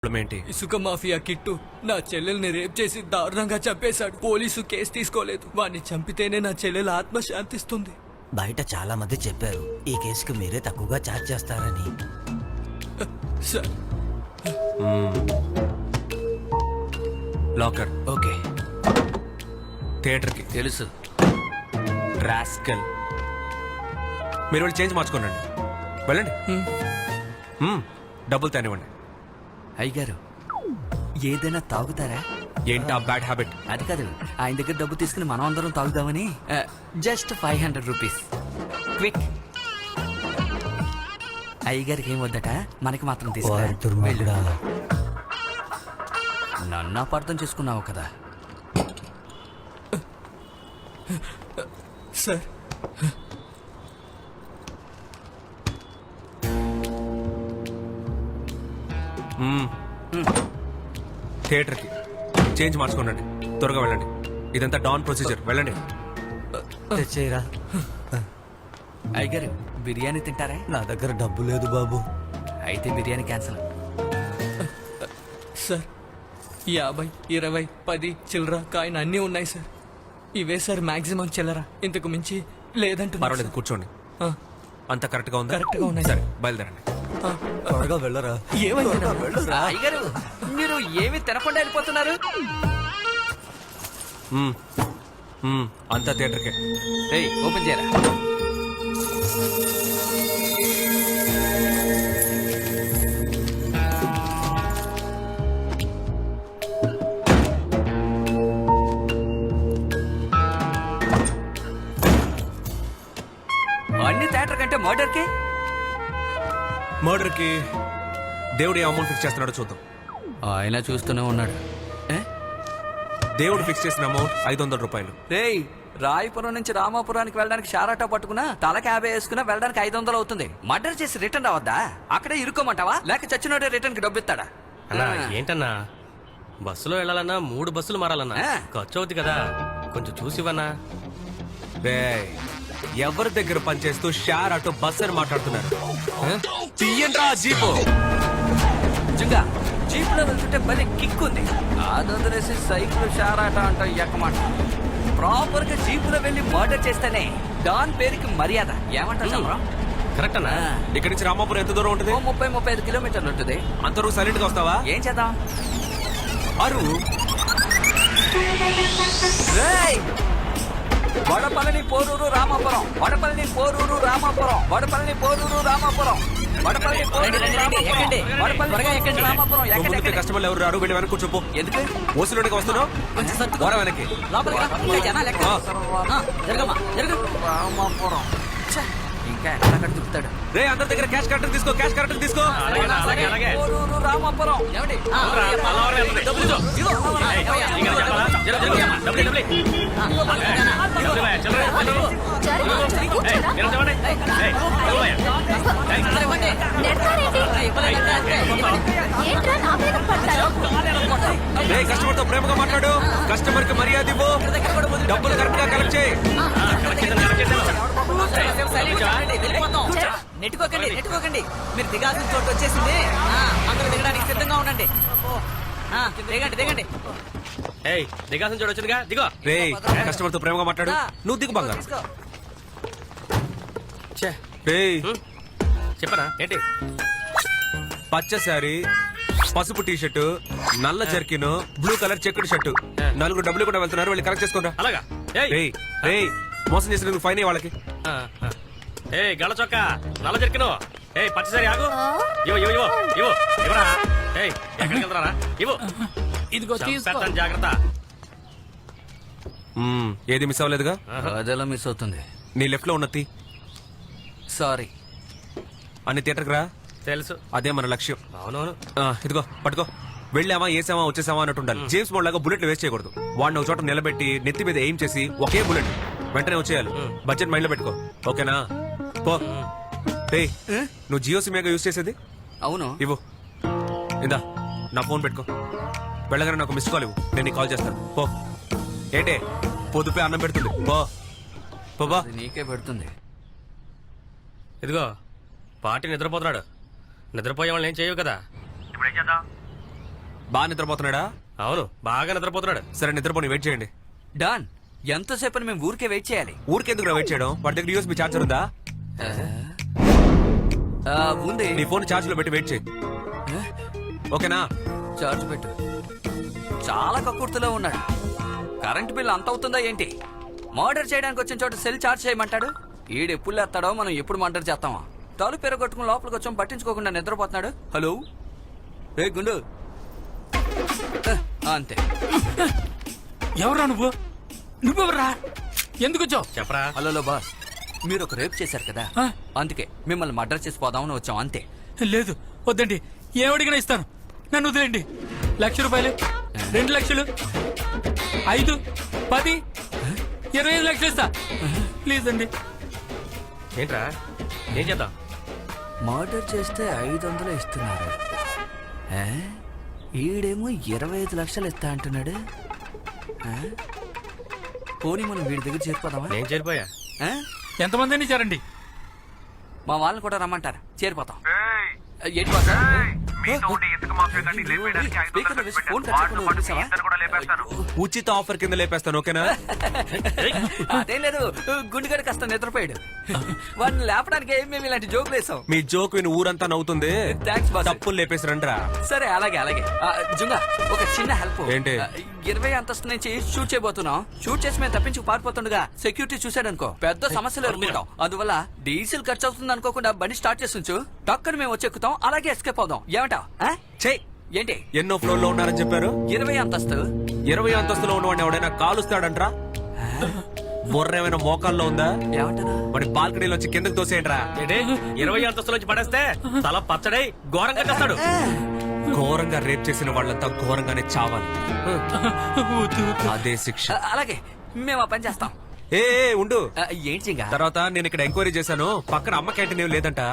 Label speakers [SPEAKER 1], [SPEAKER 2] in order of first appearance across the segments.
[SPEAKER 1] ఏంటి?
[SPEAKER 2] ఇసుక mafia kit నా చెల్లెల్ని రేప్ చేసి దారుణంగా చంపేశాడు. పోలీసు కేసు తీసుకోలేదు. వాడిని చంపితేనే నా చెల్లెల ఆత్మ శాంతిస్తుంది.
[SPEAKER 3] బయట చాలా మంది చెప్పారు ఈ కేసుకి మీరే తక్కువగా ఛార్జ్ చేస్తారని.
[SPEAKER 2] సార్
[SPEAKER 1] లాకర్
[SPEAKER 3] ఓకే
[SPEAKER 1] థియేటర్ కి
[SPEAKER 3] తెలుసు.
[SPEAKER 1] రాస్కల్. మీరు వెళ్ళి చేంజ్ మార్చుకోనండి. వెళ్ళండి. డబ్బులు తేనివ్వండి.
[SPEAKER 3] అయ్యగారు ఏదైనా తాగుతారా?
[SPEAKER 1] ఏంటి ఆ బ్యాడ్ హ్యాబిట్?
[SPEAKER 3] అది కాదు, ఆయన దగ్గర డబ్బు తీసుకుని మనం అందరం తాగుదామని. Just 500 rupees quick. అయ్యగారికి ఏం వద్దట, మనకి మాత్రం తీసుకురా. నన్ను అపార్థం చేసుకున్నావు కదా.
[SPEAKER 2] సార్
[SPEAKER 1] థియేటర్ కి చేంజ్ మార్చుకోనండి. త్వరగా వెళ్ళండి. ఇదంతా డాన్ ప్రొసీజర్. వెళ్ళండి.
[SPEAKER 3] తెచ్చేయరా. అయ్యగారు బిర్యానీ తింటారా?
[SPEAKER 4] నా దగ్గర డబ్బు లేదు బాబు.
[SPEAKER 3] అయితే బిర్యానీ క్యాన్సిల్.
[SPEAKER 2] సార్ 50, 20, 10 చిల్లర కాయిన్ అన్నీ ఉన్నాయి సార్. ఇవే సార్ మాక్సిమం చిల్లర. ఇంతకు మించి లేదంటున్నారు.
[SPEAKER 1] పర్వాలేదు, కూర్చోండి.
[SPEAKER 2] ఆ,
[SPEAKER 1] అంత కరెక్ట్ గా ఉందా?
[SPEAKER 2] కరెక్ట్ గా ఉన్నాయి
[SPEAKER 1] సరే,
[SPEAKER 2] సార్.
[SPEAKER 1] బయలుదేరండి.
[SPEAKER 4] త్వరగా వెళ్ళరా.
[SPEAKER 2] ఏమైంది?
[SPEAKER 3] అయ్యగారు మీరు ఏమి తినకుండా వెళ్ళిపోతున్నారు?
[SPEAKER 1] అంతా థియేటర్కే.
[SPEAKER 3] ఏయ్ ఓపెన్ చేయరా. అన్ని థియేటర్ కంటే మర్డర్ కి
[SPEAKER 1] మర్డర్ కి దేవుడు ఏ అమౌంట్ ఫిక్స్ చేస్తున్నాడో చూద్దాం.
[SPEAKER 3] ఆయన చూస్తూనే ఉన్నాడు.
[SPEAKER 1] దేవుడు ఫిక్స్ చేసిన అమౌంట్ 500 రూపాయలు.
[SPEAKER 3] రేయ్ రాయపురం నుంచి రామాపురానికి వెళ్ళడానికి షారాటా పట్టుకున్నా తలకి 50 వేసుకున్నా వెళ్ళడానికి 500 అవుతుంది. మర్డర్ చేసి రిటర్న్ రావద్దా? అక్కడే ఇరుక్కోమంటావా లేక చచ్చినోడే రిటర్న్ కి డబ్బు ఇస్తాడా?
[SPEAKER 5] అన్నా ఏంటన్నా, బస్సులో వెళ్ళాలన్నా 3 బస్సులు మారాలన్నా ఖర్చు అవుతుంది కదా, కొంచెం చూసివన్నా.
[SPEAKER 1] రేయ్, ఎవరి దగ్గర పనిచేస్తూ షేర్ ఆటో బస్ అని మాట్లాడుతున్నారు? తీయండ్రా జీపు.
[SPEAKER 3] నిజంగా జీప్ లో వెళ్తుంటే భలే కిక్ ఉంది. అదొదిలేసి సైకిల్ షారాటా అంట ఎక్కమాట. ప్రాపర్ గా జీప్ లో వెళ్ళి మర్డర్ చేస్తేనే డాన్ పేరుకి మర్యాద. ఏమంటారు?
[SPEAKER 5] కరెక్ట్ అన్నా.
[SPEAKER 1] ఇక్కడి నుంచి రామాపురం ఎంత దూరం ఉంటుంది?
[SPEAKER 3] 30-35 కిలోమీటర్లు ఉంటుంది.
[SPEAKER 1] అంతవరకు సైలెంట్ గా వస్తావా?
[SPEAKER 3] ఏం చేద్దాం?
[SPEAKER 1] అరు
[SPEAKER 3] వడపల్లి పోరూరు రామాపురం, వడపల్లి పోరూరు రామాపురం, వడపల్లి పోరూరు రామాపురం, వడపల్లి రామాపురం.
[SPEAKER 1] ముందుకే కస్టమర్లు ఎవరు రారు. వెళ్ళి వెనక్కి కూర్చోపో.
[SPEAKER 3] ఎందుకు
[SPEAKER 1] ఓసిలోనికి వస్తున్నావు? ఓరా వెనక్కి.
[SPEAKER 3] రామాపురం ఇంకా ఎక్కడ దిగుతాడు?
[SPEAKER 1] రే, అందరి దగ్గర క్యాష్ కరెక్ట్ తీసుకో. క్యాష్ కరెక్ట్ తీసుకో.
[SPEAKER 3] పోరూరు రామాపురం.
[SPEAKER 1] రే, కస్టమర్ తో ప్రేమగా మాట్లాడు. కస్టమర్ కి మర్యాద ఇవ్వు. డబ్బులు కరెక్ట్ గా కలెక్ట్ చేయి.
[SPEAKER 3] నెట్టుకోకండి. మీరు దిగాల్సిన చోటు వచ్చేసింది. అందరూ దిగడానికి సిద్ధంగా ఉండండి. దిగండి.
[SPEAKER 5] ఏయ్ దిగాల్సిన చోటు వచ్చిందిగా, దిగో.
[SPEAKER 1] రే, కస్టమర్ తో ప్రేమగా మాట్లాడు. నువ్వు దిగు బంగారు. రే,
[SPEAKER 5] చెప్పనా ఏంటి?
[SPEAKER 1] పచ్చ శారీ, పసుపు టీ షర్టు, నల్ల జర్కిన్, బ్లూ కలర్ చెక్కుడు షర్టు. 4 డబ్బులు కూడా వెళ్తున్నారు. వెళ్ళి కరెక్ట్ చేసుకోరా.
[SPEAKER 5] అలాగా.
[SPEAKER 1] రే, మోసం చేసినందుకు ఫైన్ వాళ్ళకి.
[SPEAKER 5] ఏ గళ్ళ చొక్క, నల్ల జరికిను. ఏ పచ్చసరి ఆగు. ఇవ్వరా. ఏయ్ ఎక్కడికి వెళ్తారా? ఇవ్వు.
[SPEAKER 2] ఇదిగో తీసుకో.
[SPEAKER 5] జాగ్రత్త.
[SPEAKER 1] ఏది మిస్ అవ్వలేదుగా?
[SPEAKER 3] అదెలా మిస్ అవుతుంది?
[SPEAKER 1] నీ లెఫ్ట్ లో ఉన్నది
[SPEAKER 3] సారీ.
[SPEAKER 1] అన్ని థియేటర్కి రా.
[SPEAKER 5] తెలుసు,
[SPEAKER 1] అదే మన లక్ష్యం.
[SPEAKER 5] అవునవును.
[SPEAKER 1] ఇదిగో పట్టుకో. వెళ్ళామా, వేసామా, వచ్చేసామా అన్నట్టు ఉండాలి. జేమ్స్ బాండ్ లాగా బుల్లెట్లు వేస్ట్ చేయకూడదు. వాడిని ఒక చోట నిలబెట్టి నెత్తి మీద ఎయిమ్ చేసి ఒకే బుల్లెట్ వెంటనే వచ్చేయాలి. బడ్జెట్ మైండ్ లో పెట్టుకో. ఓకేనా? పో. నువ్వు జియో సిమ్ యూజ్ చేసేది?
[SPEAKER 3] అవును.
[SPEAKER 1] ఇవ్వు. ఇందా నా ఫోన్ పెట్టుకో. వెళ్ళగానే నాకు మిస్ కాల్ ఇవ్వు. నేను నీకు కాల్ చేస్తాను. పో. ఏంటే పొద్దుపై అన్నం పెడుతుంది. పో.
[SPEAKER 3] నీకే పెడుతుంది.
[SPEAKER 5] ఇదిగో పార్టీ నిద్రపోతున్నాడు. నిద్రపోయే వాళ్ళని ఏం చేయవు కదా. ఇప్పుడు ఏం చేద్దాం?
[SPEAKER 1] బాగా నిద్రపోతున్నాడా?
[SPEAKER 5] అవును బాగా నిద్రపోతున్నాడు.
[SPEAKER 1] సరే నిద్రపోని వెయిట్ చేయండి.
[SPEAKER 3] డాన్ ఎంతసేపు మేము ఊరికే వెయిట్ చేయాలి?
[SPEAKER 1] ఊరికెందుకు వెయిట్ చేయడం? వాడి దగ్గర యూఎస్బీ ఛార్జర్ ఉందా?
[SPEAKER 3] ఉంది.
[SPEAKER 1] నీ ఫోన్ ఛార్జ్ లో పెట్టి వెయిట్ చేయి. ఓకేనా?
[SPEAKER 3] చార్జ్ పెట్టు. చాలా కక్కుర్తిలో ఉన్నాడు. కరెంట్ బిల్ అంత అవుతుందా ఏంటి? మర్డర్ చేయడానికి వచ్చిన చోట సెల్ చార్జ్ చేయమంటాడు. ఈడు ఎప్పుడు లేస్తాడో మనం ఎప్పుడు మర్డర్ చేస్తామా? తలుపు పెరగొట్టుకుని లోపలికి వచ్చాం, పట్టించుకోకుండా నిద్రపోతున్నాడు. హలో రే గుండు. అంతే.
[SPEAKER 6] ఎవరా నువ్వెవరా? ఎందుకు వచ్చావు?
[SPEAKER 5] చెప్పరా.
[SPEAKER 3] హలో బాస్, మీరు ఒక రేప్ చేశారు కదా, అందుకే మిమ్మల్ని మర్డర్ చేసి పోదామని వచ్చాం అంతే.
[SPEAKER 6] లేదు వద్దండి, ఏమడిగినా ఇస్తాను. నన్ను వదిలేండి. 1,00,000 రూపాయలు, 2 లక్షలు, 5, 10, 25 లక్షలు ఇస్తా. ప్లీజ్ అండి.
[SPEAKER 5] ఏంట్రా ఏం చేద్దాం?
[SPEAKER 3] మర్డర్ చేస్తే 500 ఇస్తున్నారు. ఈడేమో 25 లక్షలు ఇస్తా అంటున్నాడు. పోనీ మనం వీడి దగ్గర చేరిపోదామా?
[SPEAKER 5] నేను చేరిపోయా.
[SPEAKER 6] ఎంతమందిని ఇచ్చారండి?
[SPEAKER 3] మా వాళ్ళని కూడా రమ్మంటారు, చేరిపోతాం. ఏంటి బాస్? స్పీకర్లో వేసి ఫోన్ కట్ చేయకుండా వదిలేసావా?
[SPEAKER 1] ఉచిత ఆఫర్ కింద లేపేస్తాను. ఓకేనా?
[SPEAKER 3] అదేం లేదు, గుండెగడ కాస్త నిద్రపోయాడు. వాడిని లేపడానికి మేము ఇలాంటి జోకులు వేసాం.
[SPEAKER 1] మీ జోక్ విని ఊరంతా నవ్వుతుంది.
[SPEAKER 3] Thanks boss.
[SPEAKER 1] తప్పులు లేపేసి రండ్రా.
[SPEAKER 3] సరే అలాగే అలాగే. జుంగా ఒక చిన్న హెల్ప్.
[SPEAKER 1] ఏంటి?
[SPEAKER 3] 20 అంతస్తు నుంచి షూట్ చేయబోతున్నాం. షూట్ చేసి మేము తప్పించి పారిపోతుండగా సెక్యూరిటీ చూసాడనుకో పెద్ద సమస్యలు ఎదుర్కొంటాం. అందువల్ల డీజిల్ ఖర్చు అవుతుంది అనుకోకుండా బండి స్టార్ట్ చేసి ఉంచు. టక్కని మేము వచ్చెక్కుతాం, అలాగే ఎస్కేప్ అవుదాం. ఏమంటావ్?
[SPEAKER 1] చెయ్.
[SPEAKER 3] ఏంటి?
[SPEAKER 1] ఎన్నో ఫ్లోర్ లో ఉన్నారని చెప్పారు?
[SPEAKER 3] 20 అంతస్తు.
[SPEAKER 1] 20 అంతస్తులో ఉన్నవాడిని ఎవడైనా కాలుస్తాడంట్రా? బొర్ర ఏమైనా మోకాల్లో ఉందా?
[SPEAKER 3] ఏమంటారు?
[SPEAKER 1] వాడి బాల్కనీలో వచ్చి కిందకి తోసేయండిరా.
[SPEAKER 5] ఏంటి 20 అంతస్తులోంచి పడేస్తే తల పచ్చడై ఘోరంగా చేస్తాడు.
[SPEAKER 1] ఘోరంగా రేప్ చేసిన వాళ్ళంతా ఘోరంగానే చావాలి. అదే శిక్ష.
[SPEAKER 3] అలాగే మేము ఆ పని చేస్తాం.
[SPEAKER 1] ఏ ఉండు.
[SPEAKER 3] ఏంటి జింగా?
[SPEAKER 1] తర్వాత నేను ఇక్కడ ఎంక్వైరీ చేశాను. పక్కన అమ్మ క్యాంటీన్ ఏం లేదంట.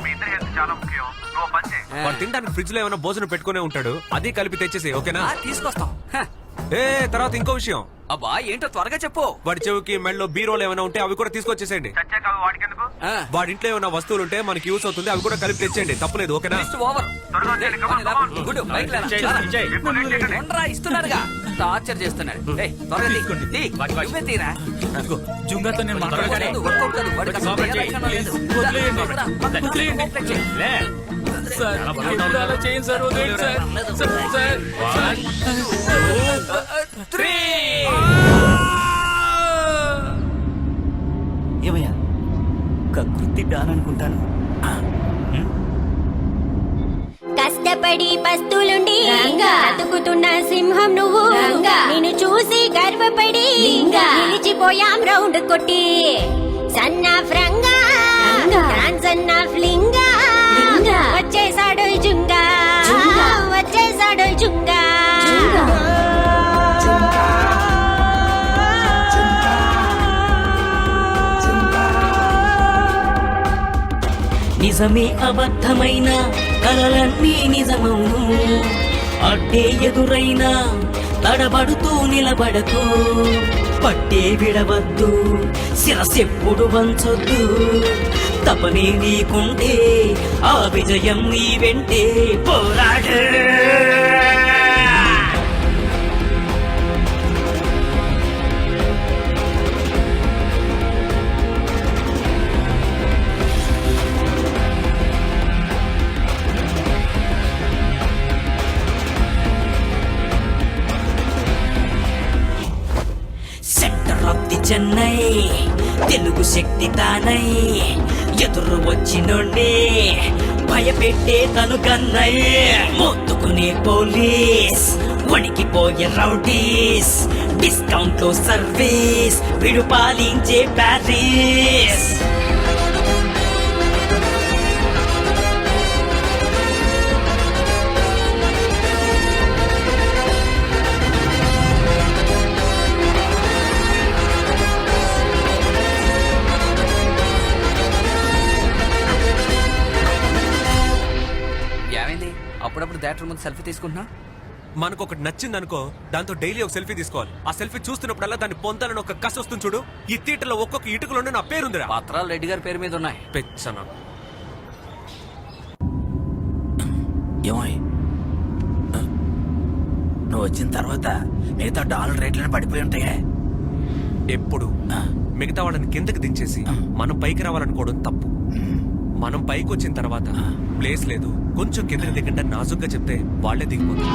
[SPEAKER 1] వాడు తినడానికి ఫ్రిడ్జ్ లో ఏమైనా భోజనం పెట్టుకునే ఉంటాడు. అది కలిపి తెచ్చేసి. ఓకేనా?
[SPEAKER 3] తీసుకొస్తాం.
[SPEAKER 1] ఏ తర్వాత ఇంకో విషయం.
[SPEAKER 3] అబ్బా ఏంటో త్వరగా చెప్పు.
[SPEAKER 1] వాడి చెవికి మెడలో బీరోలు ఏమైనా ఉంటే అవి కూడా తీసుకొచ్చేసేయండి. వాడి ఇంట్లో ఏమైనా వస్తువులు ఉంటే మనకి యూస్ అవుతుంది, అవి కూడా కలిపి తెచ్చేయండి. తప్పలేదు. ఓకేనా?
[SPEAKER 3] ఇస్తున్నాడుగా, టార్చర్ చేస్తున్నాడు. త్వరగా తీ. నువ్వే తీరా.
[SPEAKER 6] జుంగాతో నేను మాట్లాడతాను.
[SPEAKER 5] లే.
[SPEAKER 6] సార్ ఎప్పుడు అలా చేయండి సార్, వదిలేయండి సార్. Sir, sir.
[SPEAKER 7] ఏమయ్యా కకృతి డాన్ అనుకుంటాను.
[SPEAKER 8] కష్టపడి పస్తులుండి బతుకుతున్న సింహం నువ్వు. నిన్ను చూసి గర్వపడి నిలిచిపోయాం రౌండ్ కొట్టి. సన్న ఫ్రంగా సన్న ఫ్లింగా వచ్చేసాడు జుంగా, వచ్చేసాడు జుంగా.
[SPEAKER 7] నిజమే అబద్ధమైన కలలన్నీ నిజమవును. అడ్డే ఎదురైనా తడబడుతూ నిలబడకు. పట్టే విడవద్దు, శిరసెప్పుడు వంచొద్దు. తపనే నీకుంటే ఆ విజయం నీ వెంటే. పోరాడు. Centre of the Chennai Telugu శక్తి తానై. ఎదురు వచ్చినోడ్నే భయపెట్టే తను కన్నై. మొత్తుకునే పోలీస్, వణికిపోయే రౌడీస్. డిస్కౌంట్ లో సర్వీస్, విడు పాలించే ప్యారిస్.
[SPEAKER 3] అప్పుడప్పుడు థియేటర్ ముందు సెల్ఫీ తీసుకుంటున్నా.
[SPEAKER 1] మనకు ఒకటి నచ్చింది అనుకో, దాంతో డైలీ ఒక సెల్ఫీ తీసుకోవాలి. ఆ సెల్ఫీ చూస్తున్నప్పుడల్లా దాన్ని పొందాలని ఒక కసి వస్తుంది చూడు. ఈ థియేటర్ లో ఒక్కొక్క ఇటుకలోనే నా పేరుందిరా.
[SPEAKER 3] పత్రాలు రెడ్డి గారి పేరు మీద ఉన్నాయి.
[SPEAKER 1] పెచ్చన.
[SPEAKER 9] నువ్వు వచ్చిన తర్వాత మిగతా డాలర్ రేట్లను పడిపోయి ఉంటాయే.
[SPEAKER 1] ఎప్పుడు మిగతా వాళ్ళని కిందకి దించేసి మనం పైకి రావాలనుకోవడం తప్పు. మనం పైకి వచ్చిన తర్వాత ప్లేస్ లేదు, కొంచెం కిందకి దిగంటే నాజుగ్గా చెప్తే వాళ్లే దిగిపోతారు.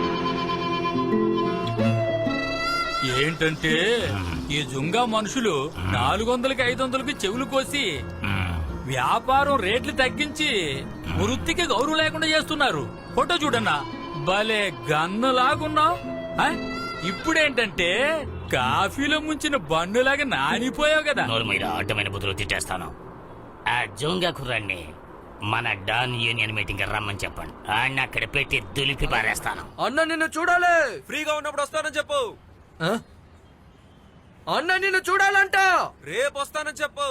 [SPEAKER 6] ఏంటంటే ఈ జుంగా మనుషులు 400కి 500కి చెవులు కోసి వ్యాపారం రేట్లు తగ్గించి వృత్తికి గౌరవం లేకుండా చేస్తున్నారు. ఫోటో చూడన్నా, భలే గన్నులాగున్నావు. ఇప్పుడేంటంటే కాఫీలో ముంచిన బండులాగా నానిపోయావు కదా.
[SPEAKER 7] నోరు మీద అడ్డమైన బుద్ధులు తిట్టేస్తాను. ఆ జోంగా కుర్రాన్ని మన డాన్ యూనియన్ మీటింగ్ రమ్మని చెప్పండి. ఆయన అక్కడ పెట్టి దులిపి పారేస్తాను.
[SPEAKER 2] అన్న నిన్ను చూడాలి.
[SPEAKER 1] ఫ్రీగా ఉన్నప్పుడు వస్తానని చెప్పు.
[SPEAKER 2] అన్న నిన్ను చూడాలంట.
[SPEAKER 1] రేపు వస్తానని చెప్పు.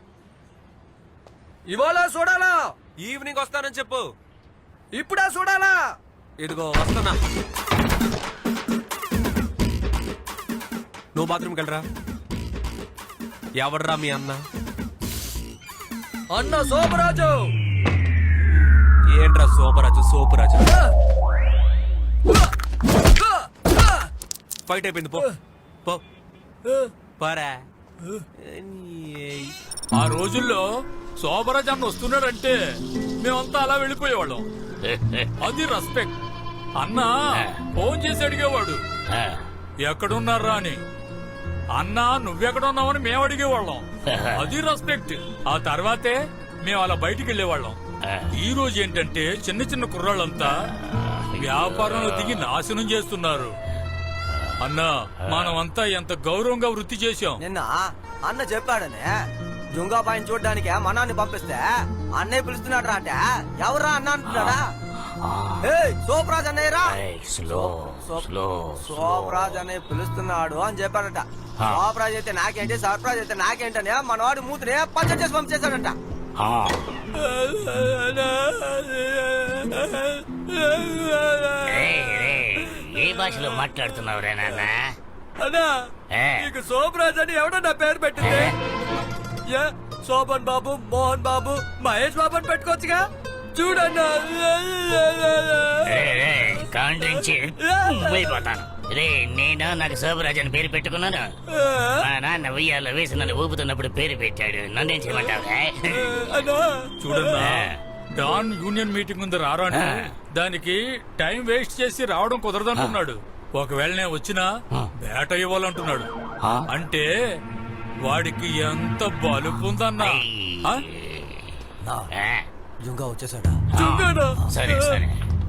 [SPEAKER 2] ఇవాళ చూడాలా?
[SPEAKER 1] ఈవినింగ్ వస్తానని చెప్పు.
[SPEAKER 2] ఇప్పుడే చూడాలా?
[SPEAKER 1] ఇదిగో వస్తానా. నువ్వు బాత్రూమ్కి వెళ్ళరా. ఎవడరా మీ అన్న?
[SPEAKER 2] అన్న సోమరాజు.
[SPEAKER 1] ఏంట్రా సోపరాజు సోపరాజు? ఫైట్ అయిపోయింది, పో పో పరా.
[SPEAKER 6] ఆ రోజుల్లో శోభరాజ్ అన్న వస్తున్నాడంటే మేమంతా అలా వెళ్ళిపోయేవాళ్ళం. అది రెస్పెక్ట్. అన్న ఫోన్ చేసి అడిగేవాడు ఎక్కడున్నారా అని. అన్నా నువ్వెక్కడున్నావని మేము అడిగేవాళ్ళం. అది రెస్పెక్ట్. ఆ తర్వాతే మేము అలా బయటికి వెళ్ళేవాళ్ళం. ఈ రోజు ఏంటంటే చిన్న చిన్న కుర్రాళ్ళంతా వ్యాపారంలో దిగి నాశనం చేస్తున్నారు. అన్నా మనమంతా ఎంత గౌరవంగా వృత్తి చేశాం.
[SPEAKER 4] నిన్న అన్న చెప్పాడనే జుంగా పైన చూడడానికి మనాన్ని పంపిస్తే అన్నయ్య పిలుస్తున్నాడు రా అంటే ఎవరా అన్న అంటున్నాడా? సోప్రాజ్ అన్నయ్యరా, సోప్రాజ్ అన్నయ్య పిలుస్తున్నాడు అని చెప్పాడట. సోప్రాజ్ అయితే నాకేంటి, సర్ప్రాజ్ అయితే నాకేంటనే మనవాడు మూతినే పచ్చడి చేసి పంపించేశాడట.
[SPEAKER 7] ఏ భాషలో మాట్లాడుతున్నావు రే నాన్న?
[SPEAKER 2] అన్నా నీకు సోమరాజ్ అని ఎవడన్నా పేరు పెట్టింది? శోభన్ బాబు, మోహన్ బాబు, మహేష్ బాబు అని పెట్టుకోవచ్చుగా. చూడన్నా
[SPEAKER 7] కాండ్రించి పోతాను రే. నేను నాకు శోభరాజ్ అని పేరు పెట్టుకున్నాను. మా నాన్న ఉయ్యాలో వేసి నన్ను ఊపుతున్నప్పుడు పేరు పెట్టాడు. నన్నేం చేయమంటావు?
[SPEAKER 6] చూడన్నా, డాన్ యూనియన్ మీటింగ్ ఉంది రారా అంటే దానికి టైం వేస్ట్ చేసి రావడం కుదరదంటున్నాడు. ఒకవేళ నేను వచ్చినా బేట ఇవ్వాలంటున్నాడు. అంటే వాడికి ఎంత బలుపు ఉందన్నా.
[SPEAKER 4] జుంగా వచ్చేసాడా?
[SPEAKER 7] సరే సరే.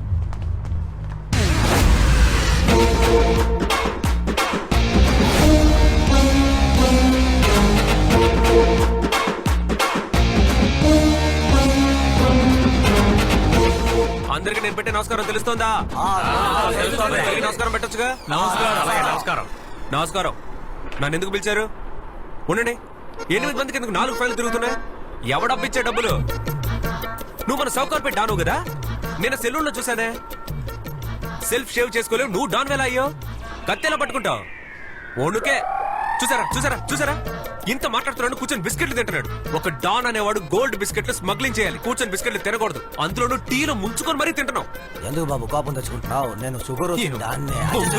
[SPEAKER 1] అందరికి నేను పెట్టే నమస్కారం తెలుస్తోందా? నమస్కారం పెట్టొచ్చుగా.
[SPEAKER 6] నమస్కారం.
[SPEAKER 1] నమస్కారం. నన్ను ఎందుకు పిలిచారు? ఉండండి. 8 మందికి ఎందుకు 4 ఫైళ్ళు తిరుగుతున్నాయి? ఎవడబ్బిచ్చే డబ్బులు? నువ్వు మన సౌకర్పేట డాను కదా. నేను సెలూన్ లో చూసానే. సెల్ఫ్ షేవ్ చేసుకోలేవు, నువ్వు డాన్ వేలా అయ్యో. కత్తెలా పట్టుకుంటావు? ఒణుకే. చూసారా చూసారా చూసారా? ఇంత మాట్లాడుతున్నాడు, కూర్చొని బిస్కెట్లు తింటున్నాడు. ఒక డాన్ అనేవాడు గోల్డ్ బిస్కెట్లు స్మగ్లింగ్ చేయాలి, కూర్చొని బిస్కెట్లు తినకూడదు. అందులోనూ టీలో ముంచుకొని మరీ తింటున్నావు.
[SPEAKER 4] ఎందుకు బాబు కోపం తెచ్చుకుంటున్నావు? నేను షుగర్ దాన్ని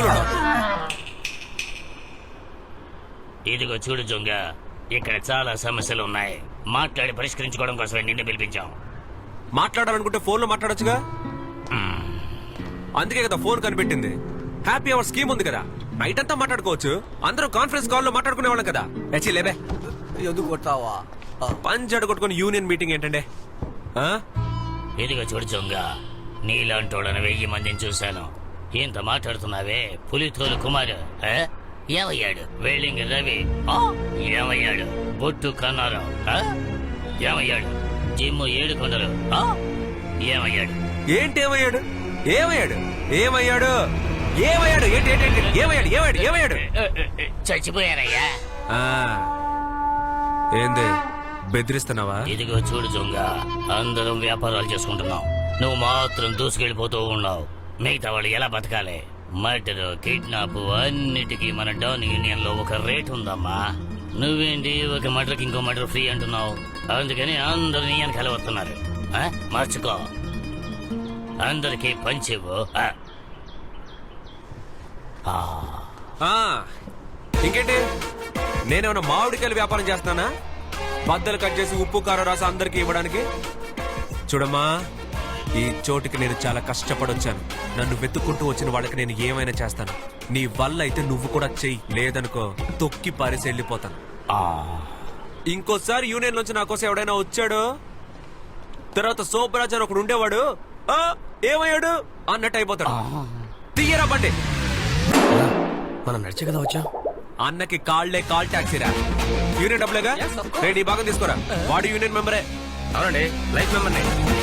[SPEAKER 7] ఇదిగో చూడు జొంగ, ఇక్కడ చాలా సమస్యలు ఉన్నాయి. మాట్లాడి పరిష్కరించుకోవడం కోసమే నిన్ను పిలిపించాం.
[SPEAKER 1] మాట్లాడాలనుకుంటే ఫోన్ లో మాట్లాడొచ్చుగా. అందుకే కదా ఫోన్ కనిపెట్టింది. హ్యాపీ అవర్ స్కీమ్ ఉంది కదా, నైట్ అంతా మాట్లాడుకోవచ్చు. అందరూ కాన్ఫరెన్స్ కాల్ లో మాట్లాడుకునే వాళ్ళం కదా. లేబే
[SPEAKER 4] ఎందుకు కొట్టావా?
[SPEAKER 1] పంచాడు కొట్టుకుని యూనియన్ మీటింగ్ ఏంటంటే?
[SPEAKER 7] ఇదిగో చూడు జొంగ, నీలాంటోళ్ళని 1000 మందిని చూశాను. ఇంత మాట్లాడుతున్నావే. పులితోలు కుమారు ఏమయ్యాడు? వెల్డింగ్ రవి ఏమయ్యాడు? బొట్టు కన్నారావు ఏమయ్యాడు? జిమ్ 7 కొండలు ఏమయ్యాడు?
[SPEAKER 1] ఏంటి ఏమయ్యాడు? ఏమయ్యాడు? ఏమయ్యాడు? ఏమయ్యాడు? ఏంటి ఏంటి ఏమయ్యాడు? ఏమయ్యాడు? ఏమయ్యాడు?
[SPEAKER 7] చచ్చిపోయారయ్యా.
[SPEAKER 1] ఏంది బెదిరిస్తున్నావా?
[SPEAKER 7] ఇదిగో చూడు జొంగ, అందరం వ్యాపారాలు చేసుకుంటున్నాం. నువ్వు మాత్రం దూసుకెళ్ళిపోతూ ఉన్నావు. మిగతా వాళ్ళు ఎలా బతకాలి? మర్డర్, కిడ్నాప్ అన్నిటికీ మన డాన్ యూనియన్ లో ఒక రేట్ ఉందమ్మా. నువ్వేంటి ఒక మర్డర్కి ఇంకో మర్డర్ ఫ్రీ అంటున్నావు? అందుకని అందరు నీ వెనకాల వస్తున్నారు. మార్చుకో, అందరికీ పంచివ్వు.
[SPEAKER 1] ఆ, ఇంకేంటి నేనేమన్నా మామిడికాయలు వ్యాపారం చేస్తానా బద్దలు కట్ చేసి ఉప్పు కారం రాసి అందరికి ఇవ్వడానికి? చూడమ్మా, ఈ చోటుకి నేను చాలా కష్టపడొచ్చాను. నన్ను వెతుక్కుంటూ వచ్చిన వాళ్ళకి నేను ఏమైనా చేస్తాను. నీ వల్ల అయితే నువ్వు కూడా చెయ్యి, లేదనుకో తొక్కి పారేసి వెళ్ళిపోతాను. ఇంకోసారి యూనియన్ నుంచి నా కోసం ఎవడైనా వచ్చాడు, తర్వాత సోపరాజ్ అని ఒకడు ఉండేవాడు, ఆ ఏమయ్యాడు అన్నట్టు అయిపోతాడు. తీయరా బండి.
[SPEAKER 5] మనం నడిచే కదా వచ్చాం.
[SPEAKER 1] అన్నకి కాళ్లే కాల్ టాక్సీరా. యూనియన్ డబ్బులేగా, రేపు ఈ భాగం తీసుకోరా. వాడు యూనియన్ మెంబరే.
[SPEAKER 5] అవునండి, లైఫ్ మెంబర్ని.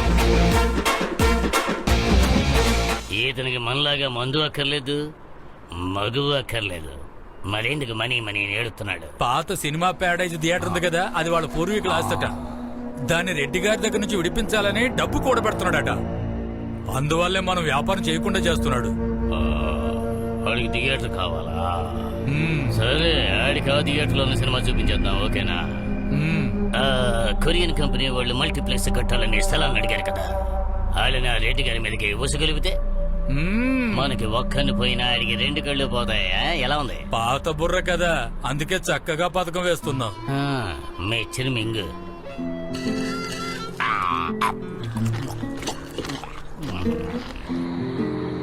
[SPEAKER 7] ఇతనికి మనలాగా మందు అక్కర్లేదు, మధు అక్కర్లేదు. మరెందుకు మనీ మనీ ఏడుతున్నాడు?
[SPEAKER 6] పాత సినిమా ప్యాడేజ్ థియేటర్ ఉంది కదా, అది వాళ్ళ పూర్వీకుల ఆస్తట. దాన్ని రెడ్డి గారి దగ్గర నుంచి విడిపించాలని డబ్బు కూడబెడుతున్నాడట. అందువల్లే మనం వ్యాపారం చేయకుండా చేస్తున్నాడు.
[SPEAKER 7] వాడికి థియేటర్ కావాలా?
[SPEAKER 6] మ్మ్.
[SPEAKER 7] సరే, ఆడికి ఆ థియేటర్ లో సినిమా చూపించేద్దాం, ఓకేనా?
[SPEAKER 6] మ్మ్.
[SPEAKER 7] కొరియన్ కంపెనీ వాళ్ళు మల్టీప్లెక్స్ కట్టాలని స్థలాన్ని అడిగారు కదా, వాళ్ళని ఆ రెడ్డి గారి మీదకి ఉసగలిపితే
[SPEAKER 6] మ్మ్.
[SPEAKER 7] మనకి ఒక్కని పోయినా ఆడికి 2 కళ్ళు పోతాయా? ఎలా ఉంది?
[SPEAKER 6] పాత బుర్ర కదా, అందుకే చక్కగా పథకం వేస్తున్నాం.
[SPEAKER 7] మీ చిరుమింగు